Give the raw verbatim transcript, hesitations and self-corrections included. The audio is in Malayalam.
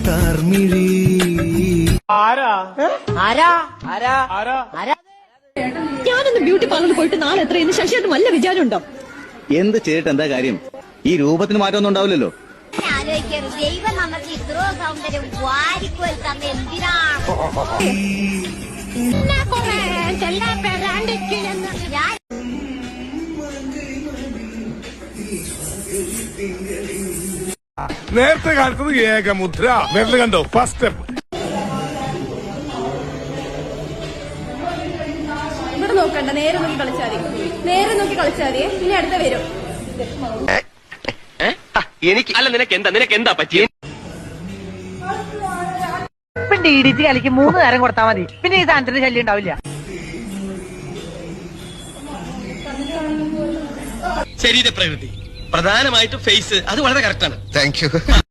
താർമിഴി ആരാ ആരാ ആരാ ആരാ ആരാ ഞാനൊന്ന് ബ്യൂട്ടി പാർലറിൽ പോയിട്ട് നാളെ എത്രയെന്ന് ശശിയായിട്ട് വല്ല വിചാരമുണ്ടോ? എന്ത് ചെയ്തിട്ട് എന്താ കാര്യം? ഈ രൂപത്തിന് മാറ്റമൊന്നും ഉണ്ടാവില്ലല്ലോ. ദൈവം നമുക്ക് ഇത്രോ സൗന്ദര്യം വാരിക്കോൽ തന്നെ എന്തിനാണ്? നേരത്തെ കാലത്തത് ഏകമുദ്ര നേരത്തെ കണ്ടോ? ഫസ്റ്റ് സ്റ്റെപ്പ് ഇവിടെ നോക്കണ്ട, നേരെ നോക്കി കളിച്ചാൽ മതി. നേരെ നോക്കി കളിച്ചാൽ മതി. പിന്നെ അടുത്ത വരും. എനിക്ക് അല്ല, നിനക്ക് എന്താ നിനക്ക് എന്താ പറ്റിയ? ഡി ഡി ടി കളിക്ക് മൂന്ന് നേരം കൊടുത്താൽ മതി. പിന്നെ ഈ സാധനത്തിന് ശല്യം ഉണ്ടാവില്ല. ശരീരപ്രകൃതി പ്രധാനമായിട്ട് ഫേസ് അത് വളരെ കറക്റ്റാണ്. Thank U.